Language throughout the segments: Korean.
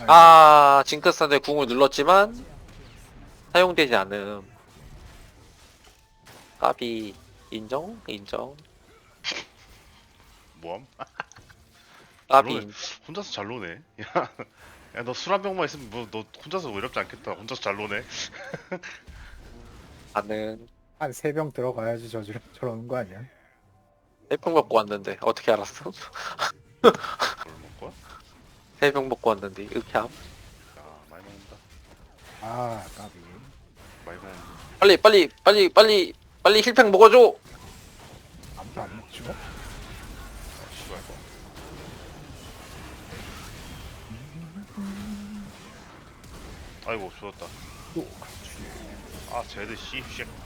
아, 징크스한테 궁을 눌렀지만 사용되지 않음. 까비. 인정? 인정. 뭐함? 까비. 노네. 혼자서 잘 노네. 야, 너 술 한 병만 있으면 뭐 너 혼자서 외롭지 않겠다. 혼자서 잘 노네. 나는 한 3병 들어가야지 저러는 거 아니야? 해병 먹고 왔는데 어떻게 알았어? 뭘 먹고? 해병 먹고 왔는데 흑함. 야, 많이 먹는다. 아 까비. 많이 먹는다. 빨리 힐팩 먹어줘. 아무도 안 먹죠? 씨발. 아이고 죽었다. 또 같이. 아 제드 씨.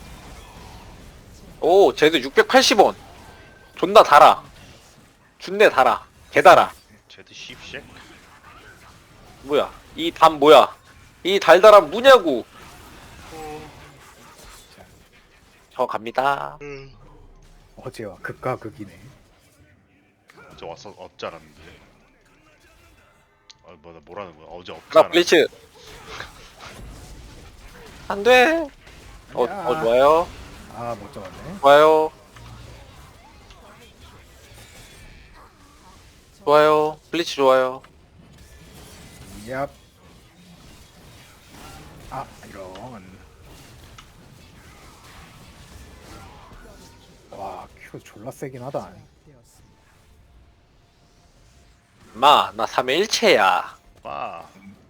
오, 쟤도 680원. 존나 달아. 준내 달아. 개 달아. 제드 씨. 뭐야? 이 담 뭐야? 이 달달함 뭐냐고. 저 갑니다. 어제와 극과 극이네. 저 왔어 없지 않았는데. 아 뭐나 뭐라는 거야? 어제 없지 나 않았. 블리츠. 안 돼. 좋아요. 아 못 잡았네. 좋아요. 좋아요. 블리츠 좋아요. 얍. 아 이런. 와 큐 졸라 세긴 하다. 마, 나 3회 1체야. 빠.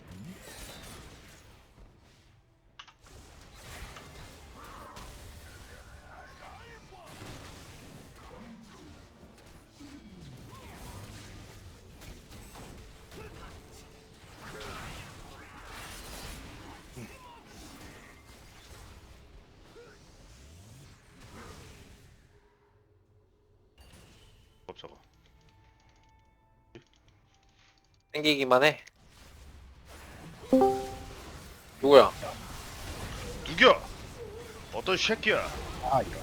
깜짝아. 땡기기만 해. 누구야? 누겨? 어떤 새끼야? 아 이런.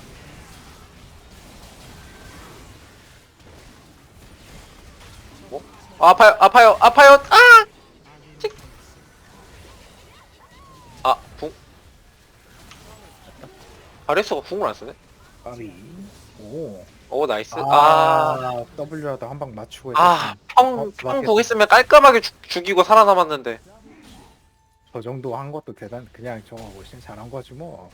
아파요, 아파요, 아파요. 아! 찍. 아, 궁. 아레스가 궁을 안 쓰네? 까비. 오. 오, 나이스. W라도 한 방 맞추고 평 있으면 깔끔하게 죽이고 살아남았는데. 저 정도 한 것도 그냥 저거 훨씬 잘한 거지 뭐.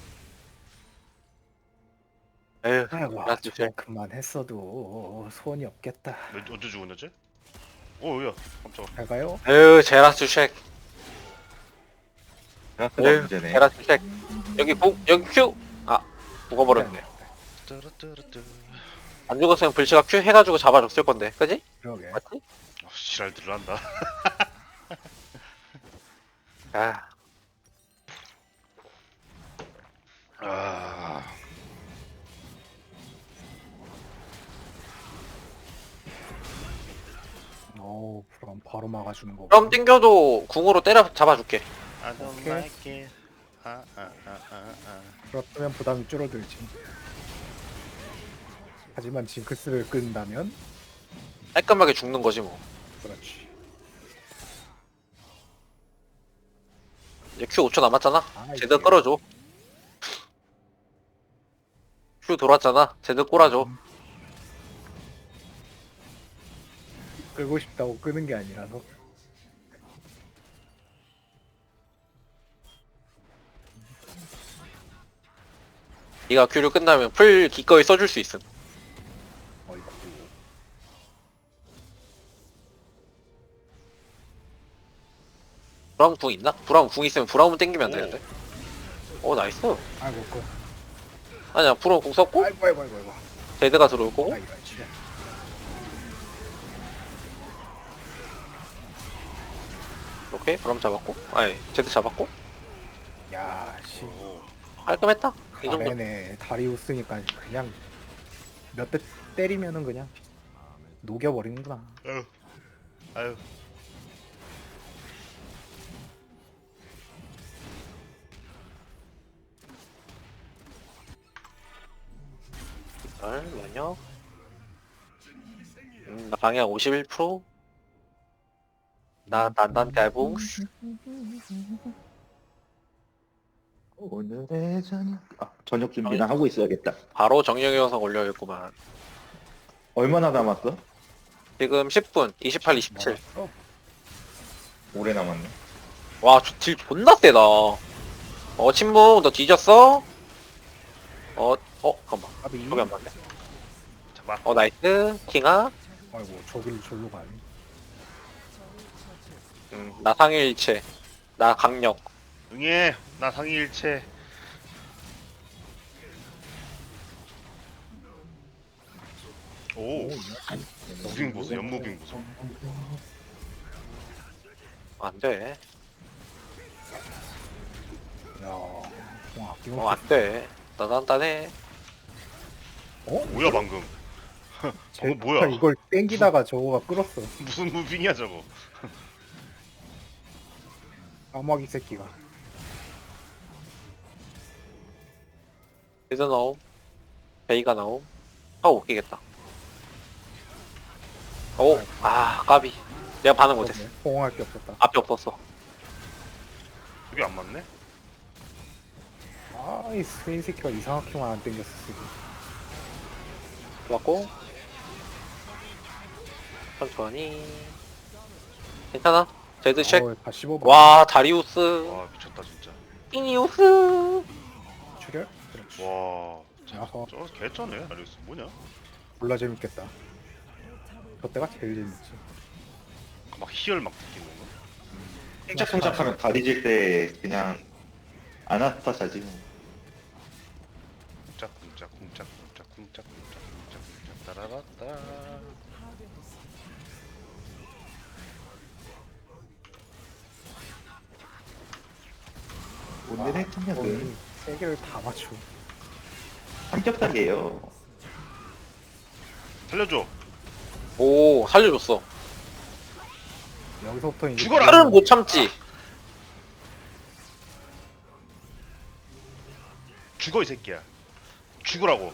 에휴, 아이고 라스 쉘. 그만 했어도 소원이 없겠다. 언제 죽었냐지? 오야 깜짝아. 잘 가요? 에휴, 제라스 쉑. 제라스가 에휴, 문제네. 제라스 쉑. 여기 큐. 아, 죽어버렸네. 뚜루뚜루뚜. 안 죽었으면 불치가 큐 해가지고 잡아줬을 건데, 그지? 그러게. 맞지? 지랄 들어간다. 아, 아. 오 그럼 바로 막아주는 거. 그럼 땡겨도 궁으로 때려 잡아줄게. I don't 오케이. like it. 그렇다면 부담이 줄어들지. 하지만 징크스를 끈다면 깔끔하게 죽는 거지 뭐. 그렇지. 이제 큐 5초 남았잖아. 아, 제대로 이게- 끌어줘. 큐 돌았잖아. 제대로 꼬라줘. 끌고 싶다고 끄는 게 아니라서. 네가 큐를 끝나면 풀 기꺼이 써줄 수 있음. 어이구. 브라운 궁 있나? 브라운 궁 있으면 브라운 땡기면 오. 되는데. 오, 나이스. 아이고 그. 아니야, 브라운 궁 썼고 아이고. 제드가 들어올 거고. 아 이런 지 오케이, 브라운 잡았고. 아니, 제드 잡았고. 야 씨. 깔끔했다. 이 정도. 아래네 다리우스니까 그냥 몇 대 때리면은 그냥 녹여버리는구나. 아유. 아유. 면역. 나 방향 51%? 난 대봉스. 오늘의 저녁 저녁 준비나 하고 있어야겠다. 바로 정령의 영상 올려야겠구만. 얼마나 남았어? 지금 10분, 28, 27. 오래 남았네. 와, 딜 존나 세다. 침묵, 너 뒤졌어? 잠깐만. 아비. 저기 안 맞네. 잡아. 나이스. 킹아. 아이고 저길 절로 가네. 나 상일체. 나 강력. 응애. 나 상위일체. 오. 무빙 보소. 연무빙 보소. 안 돼. 야, 공 아끼고. 안 돼. 단단해. 뭐야 방금? 제, 뭐야? 이걸 땡기다가 저거가 끌었어. 무슨 무빙이야 저거? 까마귀 새끼가. 리드 나옴. 베이가 나옴. 웃기겠다. 까비. 내가 반응 못했어. 호응할 게 없었다. 앞이 없었어. 그게 안 맞네? 이 스웨인 새끼가 이상하게만 안 땡겼어 지금. 맞고. 천천히. 괜찮아. 제드 쉑. 다 씹어봐. 와, 다리우스. 와 미쳤다 진짜. 피니우스. 출혈? 그렇지. 와. 야호. 저 개쩌네. 아리우스 뭐냐? 몰라 재밌겠다. 저때가 제일 재밌지. 막 희열 막 느끼는 건가? 쿵짝쿵짝하면 다리 질 때 그냥 아나스타 자지. 쿵짝쿵짝쿵짝쿵짝쿵짝쿵짝쿵짝 따라라따. 오늘의 저녁은 세 개를 다 맞추. 삼겹살이에요. 살려줘. 오, 살려줬어. 여기서부터 이제 죽어라! 팔은 못 참지. 죽어 이 새끼야. 죽으라고.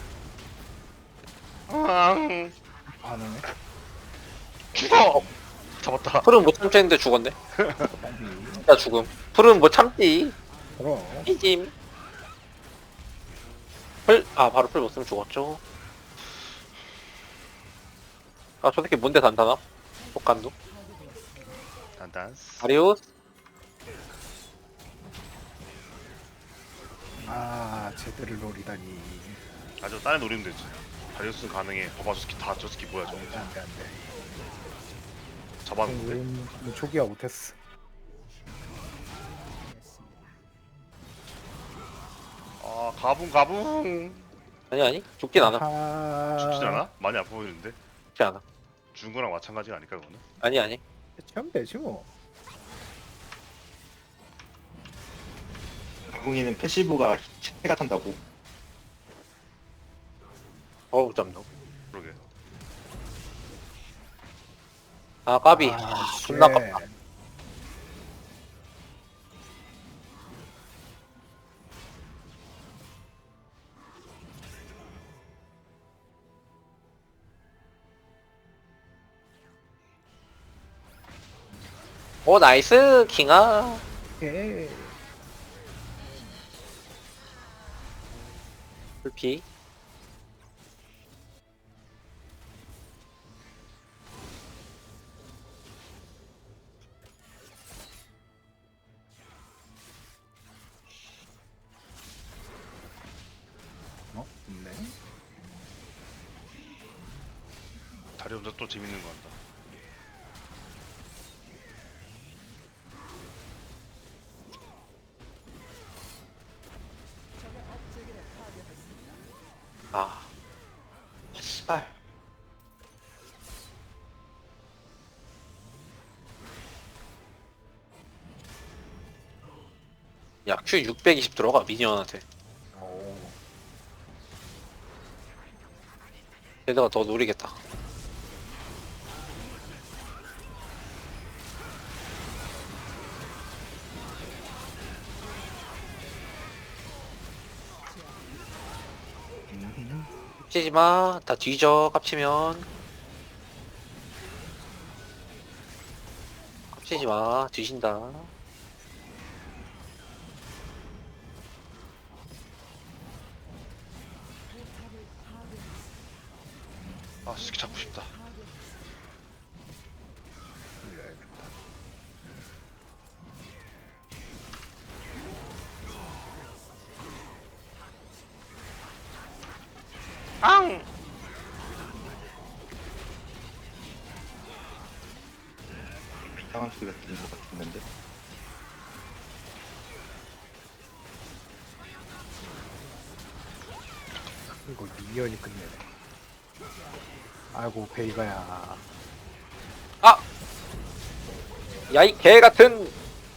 앙. 안 오네. 죽어. 잡았다. 풀은 못 참지 했는데 죽었네. 진짜 죽음. 풀은 못 참지. 그럼 이짐. 바로 풀 못 쓰면 죽었죠. 저 새끼 뭔데 단단함? 독감도. 단단스. 다리우스. 제대로 노리다니. 아주 딴애 노리면 되지. 다리우스는 가능해. 봐봐 저 새끼 저 새끼 뭐야 저거. 안돼. 잡았는데. 초기화 못했어. 아 가붕. 아니. 죽진 않아. 죽진 않아? 많이 아파 보이는데. 죽지 않아. 죽은 거랑 마찬가지가 아닐까 그거는? 아니. 처음 되지 뭐. 가궁이는 패시브가 해가 탄다고. 짬도. 그러게. 까비. 존나 쉣. 깝다. 나이스 킹아. 예. 불피. 네. 다리 혼자 또 재밌는 거 한다. 씨발. 야, Q 620 들어가 미니언한테. 얘들아 더 노리겠다. 깝치지마. 다 뒤져 깝치면. 빡치지 마. 뒤진다. 아 스키 잡고 싶다. 앙! 이상한 소리가 들린 것 같은데. 이거 미연이 끝내네. 아이고 베이가야. 야이 개 같은.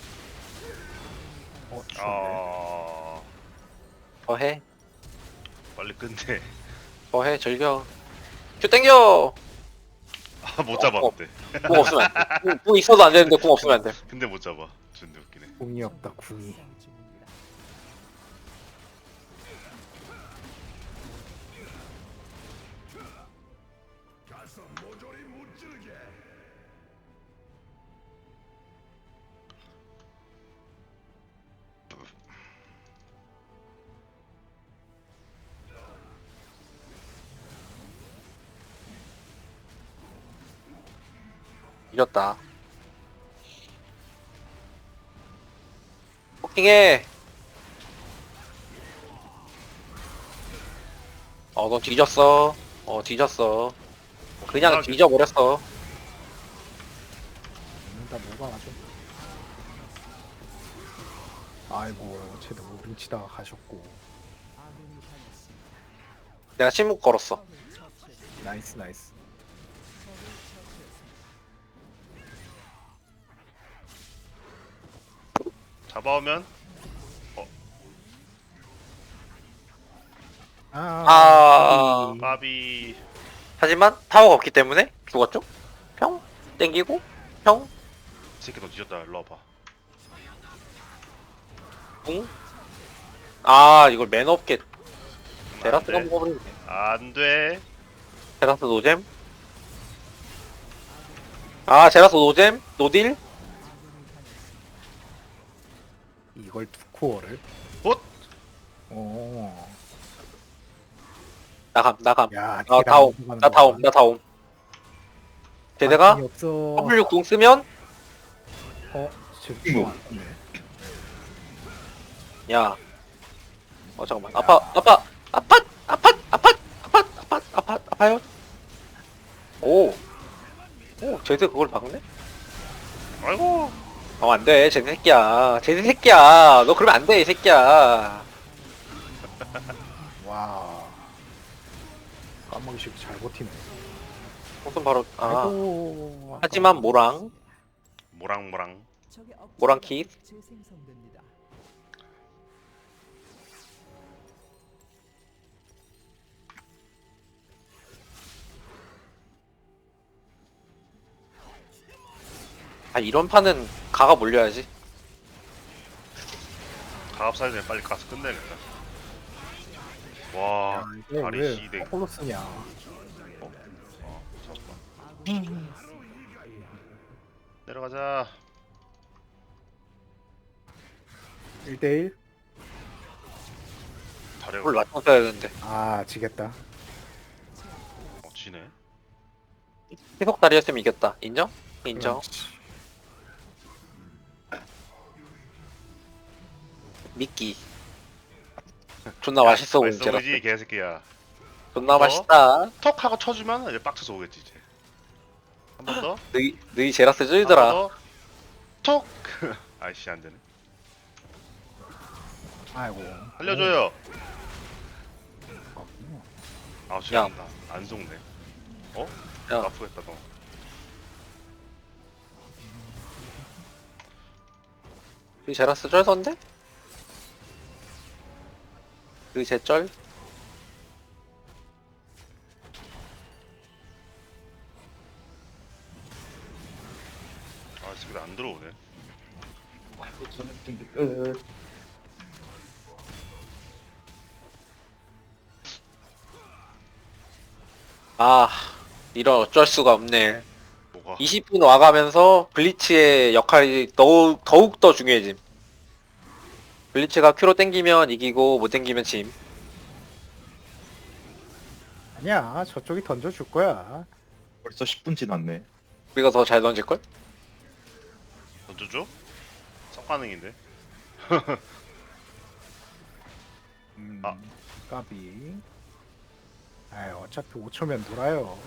추운데. 아 더해. 빨리 끝내. 더해 즐겨. 큐 땡겨. 아 못 잡았는데. 궁 없으면 안 돼. 궁 있어도 안 되는데 궁 없으면 안 돼. 근데 못 잡아. 존나 웃기네. 궁이 없다 궁이. 중입니다. 이겼다. 포킹해. 너 뒤졌어. 뒤졌어. 그냥 뒤져버렸어. 나 뭐가 아주. 아이고 쟤도 무빙 치다가 가셨고. 아군이 당했습니다. 내가 침묵 걸었어. 적을 처치했습니다. 나이스 나이스. 적을 처치했습니다. 잡아오면 아. 까비. 하지만 타워가 없기 때문에 죽었죠? 평? 땡기고? 평? 이 새끼 너 뒤졌다. 일로 와봐. 붕? 아 이걸 매너 없게 안 테라스가 돼. 먹어버리네. 안 돼. 테라스 노잼? 아 제라스 노잼? 노딜? 이걸 두 코어를. 헛! 오. 나감. 야. 나 다옴. 나 다옴. 제대가 이 없어. W 궁 쓰면 지금 안 썼네. 야. 잠깐만. 아파요? 오, 제대 그걸 박네? 아이고. 안 돼, 제대 새끼야. 제대 새끼야. 너 그러면 안 돼, 이 새끼야. 와. 까마귀 새끼 잘 버티네. 무슨 바로, 아이고. 하지만 모랑, 모랑모랑. 적의 억제가 모랑키. 재생성됩니다. 이런 판은 가가 몰려야지. 가압 사이즈에 빨리 가서 끝내야겠다. 야, 와, 이게 다리 왜 시댕. 거꾸로 쓰냐. 잠깐만. 내려가자. 1대1? 다리가 그걸 맞춰줘야 되는데. 아, 지겠다. 지네. 희석 다리였으면 이겼다. 인정? 인정. 그렇지. 미끼. 존나 맛있어 보이지, 맛있어 보이지 개새끼야. 존나 어? 맛있다. 턱 하고 쳐주면 이제 빡쳐서 오겠지 이제. 한 번 더. 너희 제라스 쫄더라. 한 번 더. 톡. 아이씨 안 되네. 아이고. 살려줘요. 어, 아 죄송합니다. 안 속네. 야. 아프겠다 너. 너희 제라스 쫄던데? 너희 제쩔? 아 지금 안 들어오네. 이런 어쩔 수가 없네. 뭐가? 와, 20분 와가면서 블리츠의 역할이 더욱 더 중요해짐. 블리츠가 큐로 땡기면 이기고 못 땡기면 짐. 아니야, 저쪽이 던져줄 거야. 벌써 10분 지났네. 우리가 더 잘 던질걸? 던져줘? 성가능인데. 아. 까비. 아이, 어차피 5초면 놀아요.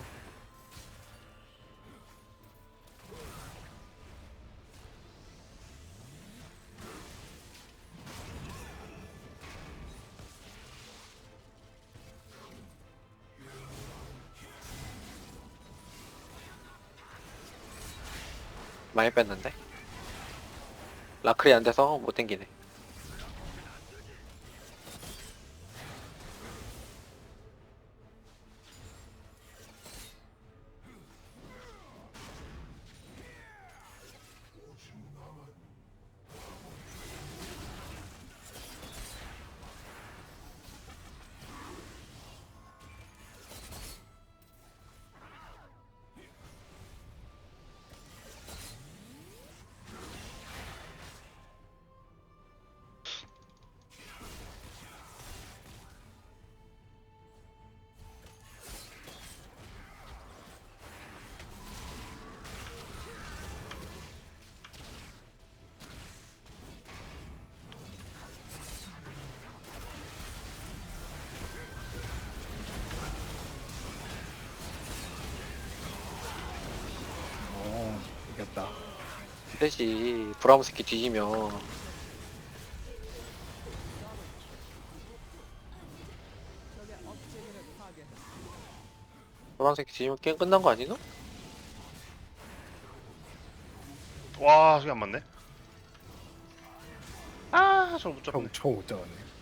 많이 뺐는데? 라클이 안 돼서 못 땡기네. 이겼다. 되지. 브라움 새끼 뒤지면. 적의 업체계를 파괴했습니다. 브라움 새끼 뒤지면 게임 끝난 거 아니노? 와, 저게 안 맞네. 아, 저거 못 잡네. 저못 잡았네.